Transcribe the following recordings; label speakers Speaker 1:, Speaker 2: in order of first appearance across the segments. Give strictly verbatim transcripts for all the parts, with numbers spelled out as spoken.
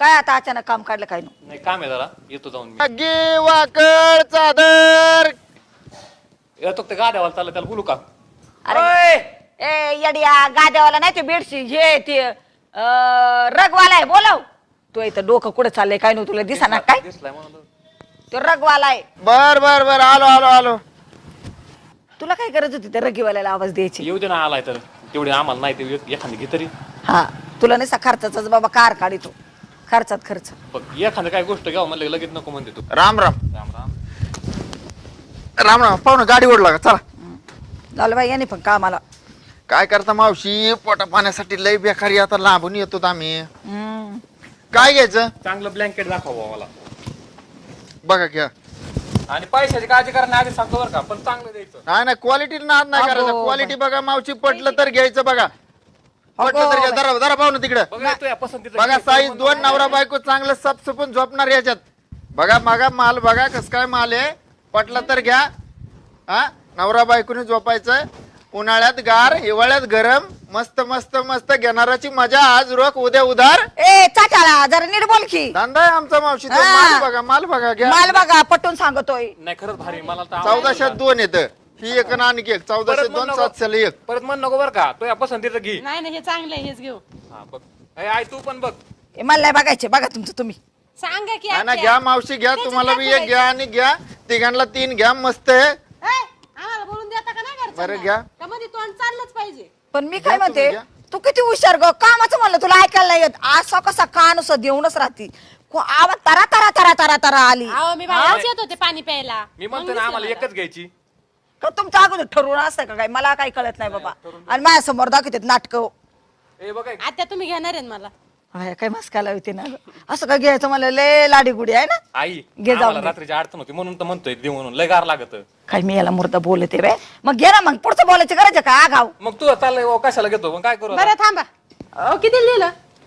Speaker 1: काय आता अचानक काम काढलं काय
Speaker 2: नाही काम आहे जरा येतो जाऊन मी
Speaker 3: अग्गी वाकड चादर
Speaker 2: येतो ते गाड्यावाला चाललं त्याला बोलू का
Speaker 1: अरे ए येड्या गाद्यावाला नाही ते बेडशी हे ते अं, रगवाला आहे बोलाव तू इथं डोकं कुठं चाललंय काय नव्हतं तुला दिसाना काय
Speaker 2: दिसलाय म्हणून
Speaker 1: तो रगवाला आहे
Speaker 3: बर बर बर आलो आलो आलो.
Speaker 1: तुला काय गरज होती त्या रगीवाल्याला आवाज द्यायची
Speaker 2: येऊ दे ना आलाय तर तेवढी आम्हाला नाही ते एखादी घे तरी
Speaker 1: हा तुला नाही खर्चाचाच बाबा कार काढितो खर्चात खर्च
Speaker 2: बघ एखादं काय गोष्ट घ्यावं म्हणलं लगेच नको म्हणते तू
Speaker 3: राम राम
Speaker 2: राम राम
Speaker 3: राम राम पाहुणं गाडी ओढला का चला.
Speaker 1: झालं बाई याने पण कामाला
Speaker 3: काय करता मावशी पोटा पाण्यासाठी लय बेकारी आता लांबून येतो आम्ही.
Speaker 1: हम्म.
Speaker 3: काय घ्यायचं
Speaker 2: चांगलं ब्लँकेट दाखवा मला
Speaker 3: बघा घ्या.
Speaker 2: आणि पैशाची काळजी करा आधी सांगतो बरं का पण चांगलं द्यायचं
Speaker 3: नाही नाही क्वालिटी नाद नाही
Speaker 1: अगो,
Speaker 3: करायचं क्वालिटी बघा मावशी पटलं तर घ्यायचं बघा पटलं तर घ्या जरा जरा पाहुणं तिकडं
Speaker 2: बघा येतो या पसंतीचं
Speaker 3: बघा साईज दोन नवरा बायको चांगलं सपसपून झोपणार याच्यात बघा बघा माल बघा कस काय माल आहे पटला तर घ्या हा नवरा बायकोने झोपायचं उन्हाळ्यात गार हिवाळ्यात गरम मस्त मस्त मस्त घेणाराची मजा आज रोख उद्या उधार
Speaker 1: ए चाटाळा जरा नीट बोल की
Speaker 3: धंदा आहे आमचा मावशी तो.
Speaker 1: हा.
Speaker 3: माल बघा माल बघा घ्या
Speaker 1: माल बघा पटून सांगतोय
Speaker 2: नाही खरंच भारी मला तर आवडलं.
Speaker 3: चौदाशे दोन येतं ही एक आणि आणखी एक चौदाशे
Speaker 2: परत म्हण
Speaker 3: दोन
Speaker 2: नको.
Speaker 3: सातशे एक
Speaker 2: परत म्हण नको बरं का तो या पसंतीचं घे
Speaker 4: नाही नाही हे चांगलं आहे हेच घेऊ
Speaker 2: हा बघ ए, आई तू पण बघ
Speaker 1: ए, मला नाही बघायचे बघा तुमचं तुम्ही
Speaker 4: सांगा की
Speaker 3: हा ना
Speaker 4: आत्या.
Speaker 3: घ्या मावशी घ्या
Speaker 4: त्याच्यात
Speaker 3: तुम्हाला बी
Speaker 4: काय
Speaker 3: एक घ्या आणि घ्या तिघांना तीन घ्या मस्त आहे
Speaker 4: ए, आम्हाला बोलून देता का नाही घरच्यांना?
Speaker 3: बरं, घ्या.
Speaker 4: का मध्ये तोंड चाललंच पाहिजे
Speaker 1: पण मी
Speaker 3: घ्या
Speaker 1: काय
Speaker 3: तुम्ही,
Speaker 1: म्हणते
Speaker 3: घ्या.
Speaker 1: तू किती हुशार ग कामाचं म्हणलं तुला ऐकायला नाही येत असं कसा कान असं देऊनच राहती को- आवाज तरा तरा तरा तरा तरा आली
Speaker 4: अहो मी बाहेरच येत होते पाणी प्यायला
Speaker 2: मी म्हणतो
Speaker 4: मग
Speaker 2: ना आम्हाला
Speaker 4: दिसलं मला.
Speaker 2: एकच घ्यायची
Speaker 1: का तुमचं अगोदर ठरवून असतं का काय मला काही कळत नाही बाबा आणि माझ्या समोर दाखवतात नाटक
Speaker 2: ए बघा
Speaker 4: आत्या तुम्ही घेणार आहेत मला
Speaker 1: काय मस्काला होते ना ग. असं काय घ्यायचं मला लय लाडी गुडी आहे ना
Speaker 2: आई
Speaker 1: घे जाऊन
Speaker 2: आम्हाला
Speaker 1: दे.
Speaker 2: रात्रीची अडचण होती म्हणून तर म्हणतोय दे म्हणून लय गार लागत
Speaker 1: काय मी याला मुर्दा बोलते बे मग घे ना मग पुढचं बोलायची गरज आहे का आगाव
Speaker 2: मग तू चाललंय भाऊ, कशाला घेतो मग काय करू आता?
Speaker 4: बरं थांबा अहो, किती लिहिलं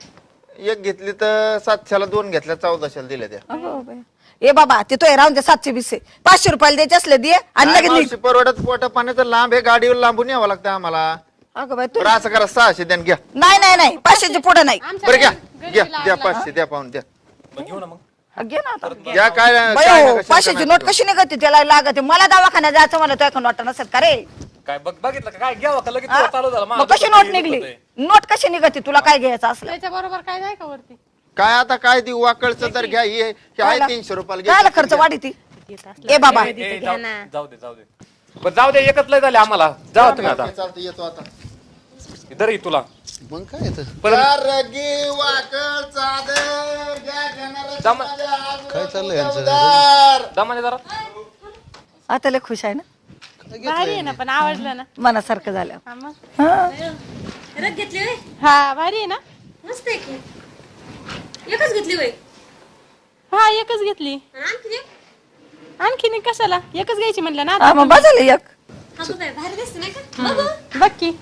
Speaker 3: एक घेतली तर सातशेला दोन घेतल्या चौदाशेला दिल्या त्या
Speaker 1: अगो बाई. ए बाबा ते तो राहून दे सातशे बीसशे पाचशे रुपयाला द्यायचे असले दे आणि
Speaker 3: काय
Speaker 1: लगेच निघ.
Speaker 3: मावशी परवडत पोटा पाण्याचं लांब आहे गाडीवर लांबून यावं लागतं आम्हाला
Speaker 1: अगं बाई तू
Speaker 3: बरं असं करा सहाशे द्या आणि घ्या
Speaker 1: नाही नाही नाही पाचशेच्या पुढे नाही
Speaker 4: आमच्या
Speaker 3: बरं घ्या
Speaker 4: घरी-
Speaker 3: घ्या
Speaker 4: घरी
Speaker 3: द्या
Speaker 4: लागला.
Speaker 3: पाचशे द्या पाहून द्या
Speaker 2: मग घेऊ ना मग
Speaker 1: हा, घे ना आता
Speaker 3: घ्या काय
Speaker 1: बाई
Speaker 3: काय
Speaker 1: हो,
Speaker 3: नका शंका
Speaker 1: पाचशेची
Speaker 3: नका
Speaker 1: नोट कशी निघते त्याला लागते मला दवाखान्यात जायचं मला तो एखादं वाटत नसेल का रे
Speaker 2: काय बघ बघितलं का काय घ्यावं का लगेच
Speaker 1: हा?
Speaker 2: तुला चालू झालं
Speaker 1: मग
Speaker 2: माझं
Speaker 1: कशी
Speaker 2: डोकं
Speaker 1: नोट
Speaker 2: फिरत
Speaker 1: निघली
Speaker 2: होतंय.
Speaker 1: नोट कशी निघते तुला काय घ्यायचं असलं
Speaker 4: त्याच्या बरोबर काय नाही का वरती
Speaker 3: काय आता काय ती वाकळचं तर घ्या ही ही आहे तीनशे रुपयाला
Speaker 1: काय
Speaker 3: घ्या
Speaker 1: खर्च वाढी ती ए बाबा
Speaker 2: ए, ए, जाऊ जाऊ दे जाऊ दे बरं जाऊ दे एकच लय झाले आम्हाला जाऊ तुम्ही आता
Speaker 3: चालतं येतो आता
Speaker 2: इधर ये तुला
Speaker 3: मग काय येतं
Speaker 2: परत
Speaker 3: रगी वाकळ चादर घ्या घेणाऱ्याची
Speaker 2: दम-
Speaker 3: मजा आज
Speaker 5: काय
Speaker 3: रोज
Speaker 5: चाललंय यांचं?
Speaker 3: उद्या उधार.
Speaker 2: दमाने जरा
Speaker 1: आता लय खुश आहे ना
Speaker 4: भारी आहे ना पण आवडलं ना
Speaker 1: मनासारखं झालं
Speaker 4: हा मग.
Speaker 1: हा.
Speaker 6: रग घेतली होय
Speaker 4: हा भारी आहे ना
Speaker 6: मस्त आहे की एकच घेतली होय
Speaker 4: हा एकच घेतली
Speaker 6: आणि आणखी एक
Speaker 4: आणखीन एक कशाला एकच घ्यायची म्हणलं ना
Speaker 1: हा,
Speaker 4: आता
Speaker 1: मग बस एक
Speaker 6: अगं बाई भारी दिसते नाही का बघू
Speaker 4: बघ की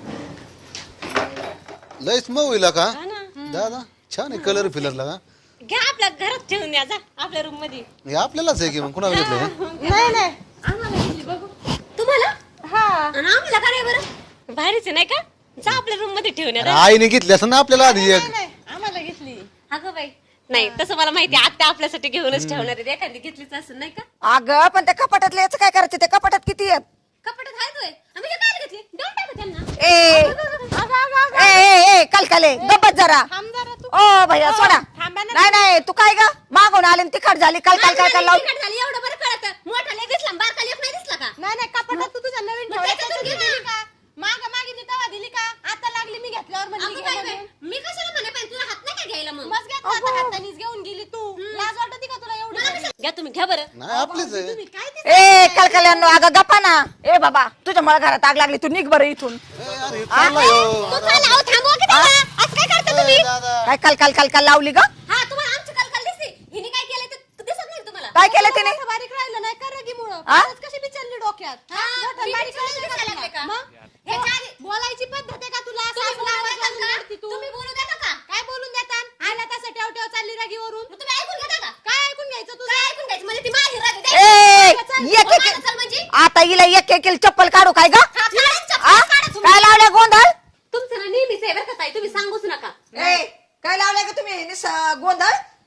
Speaker 5: लयच मऊ होईल का
Speaker 6: हा ना
Speaker 5: दादा छान आहे कलर फिलरला का
Speaker 6: घ्या आपल्या घरात ठेवून या जा आपल्या रूम मध्ये
Speaker 5: हे आपल्यालाच आहे की मग कुणाला घेतलं हे?
Speaker 4: नाही नाही
Speaker 6: आम्हाला घेतली बघू तुम्हाला
Speaker 4: हा
Speaker 6: आणि आम्हाला काय बरं भारीच आहे नाही का जा आपल्या रूम मध्ये ठेवून या
Speaker 5: अरे
Speaker 6: जा.
Speaker 5: आईने घेतली असं ना आपल्याला आधी एक
Speaker 4: नाही आम्हाला घेतली
Speaker 6: अगं बाई नाही तसं मला माहिती आहे, आत्या आपल्यासाठी घेऊनच ठेवणार आहे एखादी घेतलीच असेल नाही का
Speaker 1: अगं पण त्या कपाटातलं याचं काय करायचं त्या कपाटात किती आहेत
Speaker 6: कपड्यात आहेत होय आम्ही हे काय घेतली देऊन टाकू त्यांना
Speaker 1: ए
Speaker 4: अगं, अगं, अगं.
Speaker 1: ए ए ए कलकले गप्पत जरा
Speaker 4: थांब जरा तू
Speaker 1: ओ भैया
Speaker 4: ओ,
Speaker 1: सोडा
Speaker 4: थांबा ना.
Speaker 1: नाही नाही तू काय ग मागून आले आणि तिखट झाली काल काल काल काल लावून
Speaker 6: तिखट झाली एवढं बरं कळतं मोठा लेख दिसला बारका लेख नाही दिसला का
Speaker 4: नाही नाही कपाटात तू तुझ्या नवीन
Speaker 6: मग
Speaker 4: ठेवल्या
Speaker 6: त्याच्यातून
Speaker 4: त्याच्यात
Speaker 6: घे
Speaker 4: दिली
Speaker 6: ना.
Speaker 4: का माग मागितली तेव्हा दिली का आता लागली मी घेतल्यावर म्हणली
Speaker 6: अगं
Speaker 4: घे
Speaker 6: बाई बाई,
Speaker 4: म्हणून.
Speaker 6: मी कशाला म्हणे पाहिजे तुला हात नाही का घ्यायला मग
Speaker 4: मग घेतलं आता हातानीच घेऊन गेली तू लाज वाटते का तुला एवढी
Speaker 6: मला
Speaker 4: सगळी?
Speaker 6: कशाला- घ्या तुम्ही घ्या बरं
Speaker 5: नाही आपलीच आहे
Speaker 4: तुम्ही काय ते
Speaker 1: ए कलकल्यांनो अगं गप्पा ना ए बाबा तुझ्या मला घरात आग लागली तू निघ बरं इथून
Speaker 5: ए, अरे हे चाललंय हो.
Speaker 6: तू चला, अहो, थांबवा की त्याला. असं काय करता तुम्ही
Speaker 5: ए, दादा
Speaker 1: काय काल काल काल काल लावली ग
Speaker 6: हा तुम्हाला आमची कलकल दिसते हिने काय केलं ते दिसत नाही तुम्हाला
Speaker 1: काय केलं तिने
Speaker 4: मोठं बारीक राहिलं नाही का रगीमुळं
Speaker 1: हा?
Speaker 4: परत कशी बिचारली डोक्यात हा?
Speaker 6: हा,
Speaker 4: मोठं
Speaker 6: मी
Speaker 4: बारीक
Speaker 6: बिचारली
Speaker 4: राहिलं
Speaker 6: दिसायला
Speaker 4: का
Speaker 6: लागले का?
Speaker 4: मग?
Speaker 6: ह्याच्या आधी-
Speaker 4: बोलायची पद्धत आहे का तुला
Speaker 6: तुम्ही
Speaker 4: सासू
Speaker 6: बोलू
Speaker 4: आवाज
Speaker 6: देता
Speaker 4: घालून
Speaker 6: का?
Speaker 4: रडती तू
Speaker 6: तुम्ही बोलू देता का
Speaker 4: काय बोलून देतात आला तसं ठेव ठेव चालली रगीवरून
Speaker 6: मग तुम्ही ऐकून घेता का
Speaker 4: काय ऐकून घ्यायचं तू
Speaker 6: काय ऐकून घ्यायचं म्हणजे ती माझी राग
Speaker 1: ए
Speaker 6: आहे.
Speaker 1: एक
Speaker 6: बोलायला
Speaker 1: एक
Speaker 6: चल म्हणजे
Speaker 1: आता हिला एक एक चप्पल काढू काय ग
Speaker 6: हा, काढा चप्पल,
Speaker 1: आ?
Speaker 6: काढा तुम्ही.
Speaker 1: काय लावल्या गोंधळ
Speaker 6: तुमचं ना नेहमीच आहे बरं का ताई तुम्ही सांगूच नका
Speaker 1: ए काय लावलंय का तुम्ही निस- गोंधळ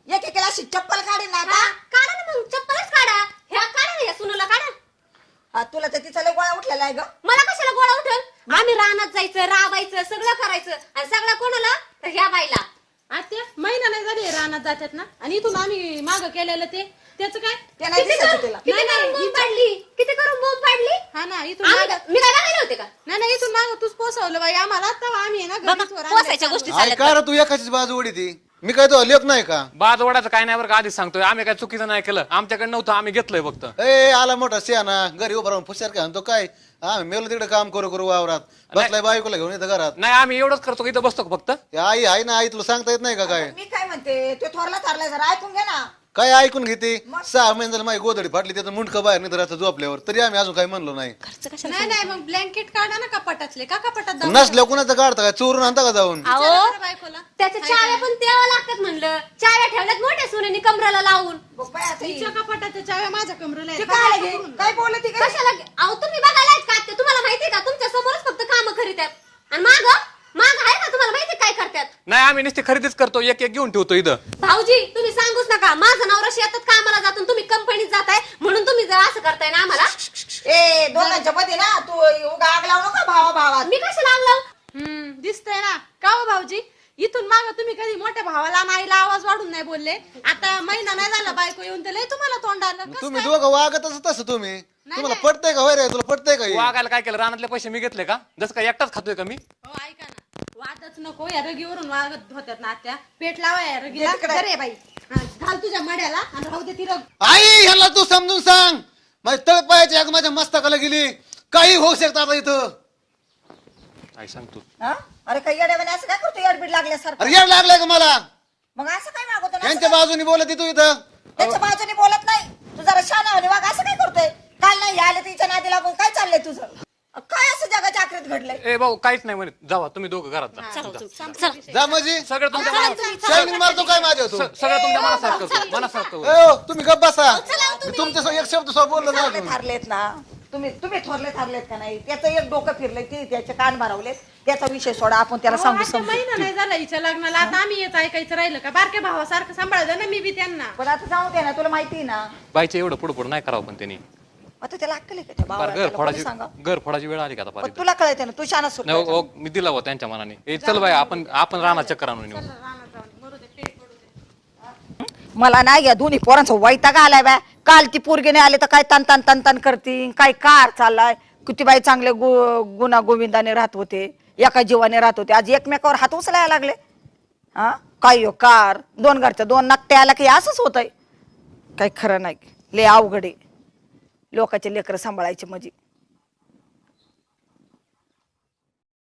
Speaker 1: एक एकेला अशी चप्पल काढीन ना
Speaker 6: हा,
Speaker 1: आता.
Speaker 6: काढा ना मग चप्पलच काढा ह्या काढा ना या सुनाला काढा
Speaker 1: हा, तुला तर तिचा लय गोळा उठलेला आहे ग.
Speaker 6: मला कशाला गोळा उठल आम्ही रानात जायचं राबायचं सगळं करायचं आणि सगळं कोणाला तर ह्या बाईला
Speaker 4: आत्या महिना नाही झाले रानात जातात ना आणि इथून आम्ही माग केलेलं ते त्याचं काय
Speaker 1: ते नाही
Speaker 6: किती
Speaker 1: दिसायचं
Speaker 6: करून-
Speaker 1: तिला.
Speaker 6: किती
Speaker 4: नाही,
Speaker 6: करून
Speaker 4: नाही,
Speaker 6: बोंब पाडली किती करून बोंब पाडली
Speaker 4: हा ना इथून
Speaker 6: आम्ही-
Speaker 4: मागं-
Speaker 6: मी काय बघायला होते का
Speaker 4: नाही नाही इथून माग तूच पोसवलं बाई आम्हाला तेव्हा आम्ही आहे ना
Speaker 6: बाबा,
Speaker 4: घरीच वर
Speaker 6: पोसायच्या
Speaker 4: आणलं.
Speaker 6: गोष्टी
Speaker 5: अरे
Speaker 6: चालत
Speaker 5: का रे तू एकाचीच बाजू उडी ती मी काय तो लेख नाही का
Speaker 2: बाज ओढायचं काय नाही बरं का आधीच सांगतोय आम्ही काय चुकीचं नाही केलं आमच्याकडे नव्हतं आम्ही घेतलंय फक्त
Speaker 5: ए आला मोठा सियाना घरी उभा राहून फुशार काय म्हणतो काय हा मेलो तिकडे काम करू करू वावरात बसलाय बायकोला घेऊन येतं घरात
Speaker 2: नाही आम्ही एवढंच करतो की इथं बसतो का फक्त
Speaker 5: ते आई आहे ना आई तुला सांगता येत नाही का काय
Speaker 1: मी काय म्हणते तो थोरला थारलाय जरा ऐकून घे ना.
Speaker 5: काय ऐकून घेते सहा महिने झाले माझी गोदडी फाटली त्याचं मुंडकं बाहेर नाही तर झोपल्यावर तरी आम्ही अजून काही म्हणलो नाही
Speaker 6: खर्च कशाला
Speaker 4: नाही नाही मग ब्लँकेट काढा ना कपाटातले का कपाटात जाऊन
Speaker 5: नसल्या कुणाचं काढता काय चोरून आणता का जाऊन
Speaker 6: अहो
Speaker 4: विचारा बरं बायकोला
Speaker 6: त्याच्या चाव्या पण द्यावं लागतात म्हणलं चाव्या ठेवल्यात मोठ्या सुनेनी कमराला लावून
Speaker 1: बाई, आता ही-
Speaker 4: तिच्या कपाटाच्या चाव्या माझ्या कमरेला
Speaker 1: ते
Speaker 4: आहेत.
Speaker 1: काय आलं गे? काय बोलत ती काय?
Speaker 6: कशाला अहो तुम्ही बघायला आहेत का ते तुम्हाला माहितीये का तुमच्या समोरच फक्त काम करीतात आणि माग माग आहे का तुम्हाला माहिती काय करतात
Speaker 2: नाही आम्ही नुसती खरेदीच करतो एक एक घेऊन ठेवतो इथं
Speaker 6: भाऊजी तुम्ही सांगूच नका माझा नवरा शेतात कामाला जातो आणि तुम्ही कंपनीत जाताय म्हणून तुम्ही जर असं करताय ना आम्हाला
Speaker 1: ए दोघांच्या मध्ये ना तू उगा आग लावू नका भावा भावात.
Speaker 6: मी कशाला आणलं
Speaker 4: हम्म दिसतंय ना का हो भाऊजी इथून माग तुम्ही कधी मोठ्या भावाला आणि आईला आवाज वाढून नाही बोलले आता महिना नाही झाला बायको येऊन तर लय तुम्हाला तोंड आलं कसं
Speaker 5: तुम्ही
Speaker 4: काय?
Speaker 5: दोघं वागतच तसं तुम्ही तुम्हाला पटतंय का होय रे तुला पटतंय का हे?
Speaker 2: वागायला काय केलं रानातले पैसे मी घेतले का जसं काय एकटाच खातोय का मी
Speaker 4: हो ऐका ना वादच नको या रगीवरून वागत होत्यात ना आत्या पेट लावा या रगीला
Speaker 1: तिकडे.
Speaker 4: अरे बाई हा, घाल तुझ्या मड्याला आणि राहू दे ती रग
Speaker 5: आई ह्याला तू समजून सांग माझी तळपायाची आग माझ्या मस्तकाला गेली काही होऊ शकतं आता इथं
Speaker 2: काय सांगतो
Speaker 1: हा? अरे काही येड्यावाने असं काय करतो येडबीड लागल्यासारखं.
Speaker 5: अरे येड लागलाय का मला
Speaker 1: मग असं काय मागवतो ना?
Speaker 5: यांच्या बाजूनी बोलत तू इथं
Speaker 1: त्याच्या बाजूने बोलत नाही तू जरा शाना वाग असं काय करतोय काल नाही आले तिच्या नादी लागून काय चाललंय तुझं अ, काय असं जगाच्या आखरीत घडलंय.
Speaker 2: ए भाऊ काहीच नाही म्हणत जावा तुम्ही दोघं घरात जा
Speaker 6: चला चला
Speaker 5: जा म्हणजे
Speaker 2: सगळं तुमच्या मनात
Speaker 5: शायनिंग मारतो काय माझ्या तू
Speaker 2: स- सगळं तुमच्या मनासारखं मनासारखं होईल.
Speaker 5: ए, ओ, तुम्ही गप बसा तुमच्या एक शब्द सोबत बोललो ना
Speaker 1: चांगले
Speaker 5: अजून.
Speaker 1: थारलेत ना तुम्ही तुम्ही थोरले थारलेत का नाही त्याचं एक डोकं फिरलंय ते त्याचे कान भरवलेत त्याचा विषय सोडा आपण त्याला
Speaker 4: अहो,
Speaker 1: सांगू
Speaker 4: आता
Speaker 1: समजू.
Speaker 4: महिना नाही झाला हिच्या लग्नाला आता आम्ही येत ऐकायचं राहिलं का बारक्या भावासारखं सांभाळलं ना मी बी त्यांना
Speaker 1: पण आता जाऊ दे ना तुला माहिती आहे ना
Speaker 2: बाईचं एवढं पुढं पुढं नाही करावं पण त्यांनी
Speaker 1: आता त्याला अक्कल आहे का त्या
Speaker 2: फार
Speaker 1: भावाला?
Speaker 2: घर
Speaker 1: त्याला कोणी
Speaker 2: फोडायची
Speaker 1: सांगा
Speaker 2: घर फोडायची वेळ आली का आता फार
Speaker 1: पण
Speaker 2: इथं?
Speaker 1: तुला कळते ना तू शाना सुट
Speaker 2: नाही, ओ, ओ, मी दिला होता त्यांच्या मनाने ए चल बाई आपण आपण राहणार चक्कर आणून येऊ
Speaker 4: रानात जाऊन मरू दे पेट पडू दे
Speaker 1: मला नाही या दोन्ही पोरांचा वैताग आलाय बाय काल ती पोरगीने आले तर काय तन तन तन तन करती काय कार चाललाय किती बाई चांगले गु गुना गोविंदाने राहत होते एका जीवाने राहत होते आज एकमेकावर हात उचलायला लागले हा काय हो कार दोन घरच्या दोन नकटे आला की असंच होतंय काही खरं नाही लय अवघड आहे लोकांचे लेकरं सांभाळायचे म्हणजे